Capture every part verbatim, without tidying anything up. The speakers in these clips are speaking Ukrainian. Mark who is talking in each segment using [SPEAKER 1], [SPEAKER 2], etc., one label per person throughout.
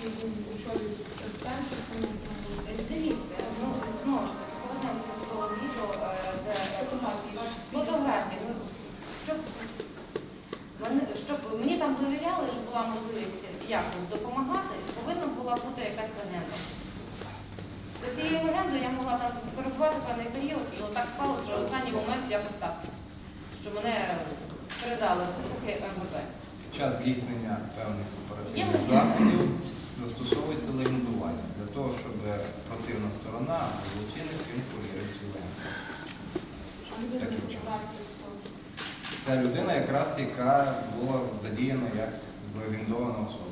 [SPEAKER 1] він очолює центр самотньої.
[SPEAKER 2] Дивіться, ну, знову ж таки, повернемося з того відео, е, де
[SPEAKER 1] Фотографії, ваші
[SPEAKER 2] фотографії. Ну, щоб, вони- щоб мені там довіряли, що була можливість якось допомагати, повинна була бути якась легенда. За цією легендою я могла там перебувати певний період, і отак спалося, що в останній момент якось так, що мене передали в руки МВП.
[SPEAKER 3] Під час здійснення певних
[SPEAKER 2] Є
[SPEAKER 3] оперативних
[SPEAKER 2] легенда.
[SPEAKER 3] заходів застосовується легендування для того, щоб противна сторона або злочинець він повірив цю легенду.
[SPEAKER 1] А людина
[SPEAKER 3] Таким
[SPEAKER 1] на
[SPEAKER 3] чином.
[SPEAKER 1] фотографії.
[SPEAKER 3] Це людина, якраз яка була задіяна як легендована особа.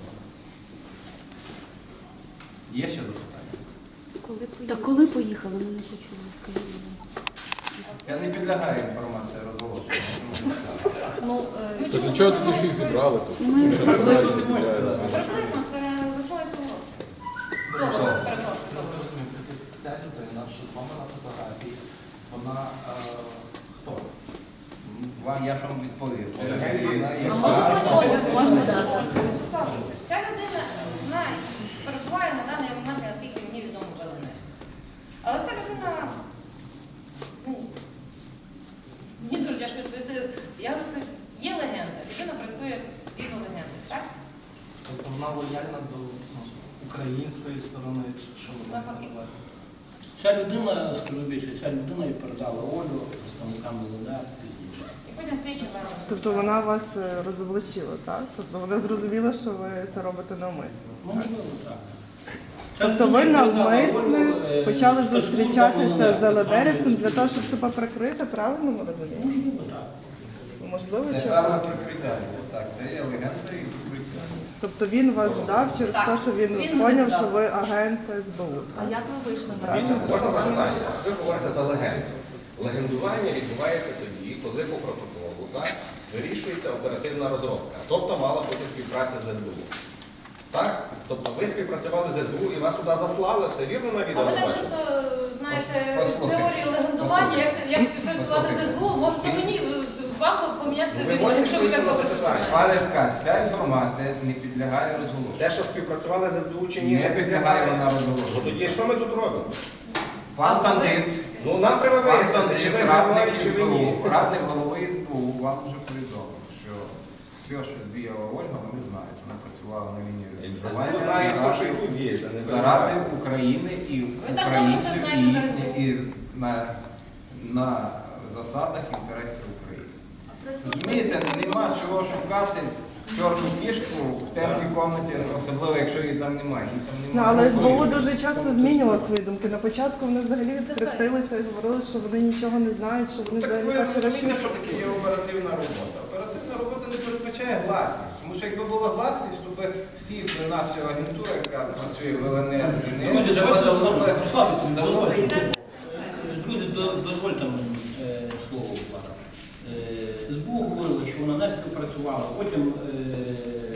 [SPEAKER 3] Є ще запитання?
[SPEAKER 4] Та коли поїхали, ми не почули, скажіть. будь ласка.
[SPEAKER 3] Я не підлягаю інформації розголошення.
[SPEAKER 4] Ну, е,
[SPEAKER 5] То для чого тоді всіх зібрали тут?
[SPEAKER 4] Ми-
[SPEAKER 5] Якщо називається не підлягає
[SPEAKER 2] Приблизно це весною цього року. Добре, перепрошую, добре.
[SPEAKER 6] Ця людина, що з вами на фотографії, вона е, хто?
[SPEAKER 3] Вам я ж вам відповів. Це
[SPEAKER 6] Легенда.
[SPEAKER 3] людина,
[SPEAKER 4] А
[SPEAKER 3] яка-
[SPEAKER 4] може Оля, можна дати?
[SPEAKER 2] Ця людина, вона перебуває на даний момент, наскільки мені відомо, в ЛНР. Але ця людина, ну, мені дуже тяжко відповісти. Я вже кажу, є легенда, людина працює згідно легенди, так?
[SPEAKER 6] Тобто вона лояльна до ну, української сторони, чи що вона
[SPEAKER 2] Навпаки.
[SPEAKER 6] називає?
[SPEAKER 7] Ця людина, скажу більше, ця людина і передала Олю представникам ЛНР пізніше.
[SPEAKER 2] І потім слідчі зараз.
[SPEAKER 8] Тобто вона вас е, розоблачила, так? Тобто вона зрозуміла, що ви це робите навмисно.
[SPEAKER 7] Ну, можливо, так. Ця
[SPEAKER 8] Тобто ви
[SPEAKER 7] людина передала
[SPEAKER 8] навмисно
[SPEAKER 7] Олю, е,
[SPEAKER 8] почали
[SPEAKER 7] спецслужбам
[SPEAKER 8] зустрічатися
[SPEAKER 7] ЛНР,
[SPEAKER 8] з Алеберецем
[SPEAKER 7] так.
[SPEAKER 8] для того, щоб себе прикрити, правильно ми розуміємо?
[SPEAKER 7] Можливо, так.
[SPEAKER 8] Можливо,
[SPEAKER 3] Це
[SPEAKER 8] чи
[SPEAKER 3] певне прикриття. Так, це є легенда і прикриття.
[SPEAKER 8] тобто він вас здав через
[SPEAKER 2] Так.
[SPEAKER 8] те, що він
[SPEAKER 2] Він мене
[SPEAKER 8] зрозумів,
[SPEAKER 2] здав.
[SPEAKER 8] що ви агент СБУ.
[SPEAKER 4] А як ви вийшли на
[SPEAKER 8] Правильно?
[SPEAKER 9] Можна запитання? Ви говорите за легенду. Легендування відбувається тоді, коли по протоколу так, вирішується оперативна розробка. Тобто мала бути співпраця з СБУ. Так? Тобто ви співпрацювали з СБУ і вас туди заслали, все вірно на
[SPEAKER 2] А
[SPEAKER 9] відео
[SPEAKER 2] ви так
[SPEAKER 9] бачите?
[SPEAKER 2] близько знаєте
[SPEAKER 3] Послухайте.
[SPEAKER 2] теорію легендування, як, це- як співпрацювати з СБУ, можете мені, вам помінятися
[SPEAKER 9] Ви
[SPEAKER 2] з
[SPEAKER 9] можете
[SPEAKER 2] якщо ви так
[SPEAKER 9] відповісти на
[SPEAKER 2] добре
[SPEAKER 9] запитання?
[SPEAKER 2] знаєте.
[SPEAKER 3] Пане Ткач, ця інформація не підлягає розголошенню.
[SPEAKER 9] Те, що співпрацювали з СБУ чи ні,
[SPEAKER 3] Не підлягає вона
[SPEAKER 9] Ну
[SPEAKER 3] розголошенню.
[SPEAKER 9] тоді що ми тут робимо?
[SPEAKER 3] Пан Тандиць,
[SPEAKER 9] Ну нам треба
[SPEAKER 3] пан
[SPEAKER 9] вияснити,
[SPEAKER 3] Тандиць,
[SPEAKER 9] чи ви
[SPEAKER 3] радник
[SPEAKER 9] говорите, чи ви ні.
[SPEAKER 3] СБУ, радник голови СБУ вам вже повідомив, що все, що діяла Ольга, вони знають. Вона працювала на лінії
[SPEAKER 9] СБУ знає все, що і тут діється. не
[SPEAKER 3] заради
[SPEAKER 9] винуватий.
[SPEAKER 3] України і
[SPEAKER 2] Ви так добре
[SPEAKER 3] українців
[SPEAKER 2] це
[SPEAKER 3] і,
[SPEAKER 2] знаєте,
[SPEAKER 3] їхні- і на, на засадах інтересів України. Розумієте, нема чого шукати чорну кішку в темній кімнаті, особливо якщо її там немає. Її там
[SPEAKER 8] Ну,
[SPEAKER 3] немає.
[SPEAKER 8] але СБУ дуже часто змінювала свої думки. На початку вони взагалі відхрестилися і говорили, що вони нічого не знають, що вони
[SPEAKER 3] Так
[SPEAKER 8] взагалі
[SPEAKER 3] ви
[SPEAKER 8] перший раз
[SPEAKER 3] розумієте, що
[SPEAKER 8] чують.
[SPEAKER 3] таке є оперативна робота. Оперативна робота не передбачає гласність. Тому що якби була гласність, то би всі наша агентура, яка працює в ЛНР,
[SPEAKER 7] Друзі, давайте розслабитися.
[SPEAKER 3] давно би її
[SPEAKER 7] Друзі, до- дозвольте мені е, слово. будь ласка. Е, СБУ говорила, що вона не співпрацювала. Потім е,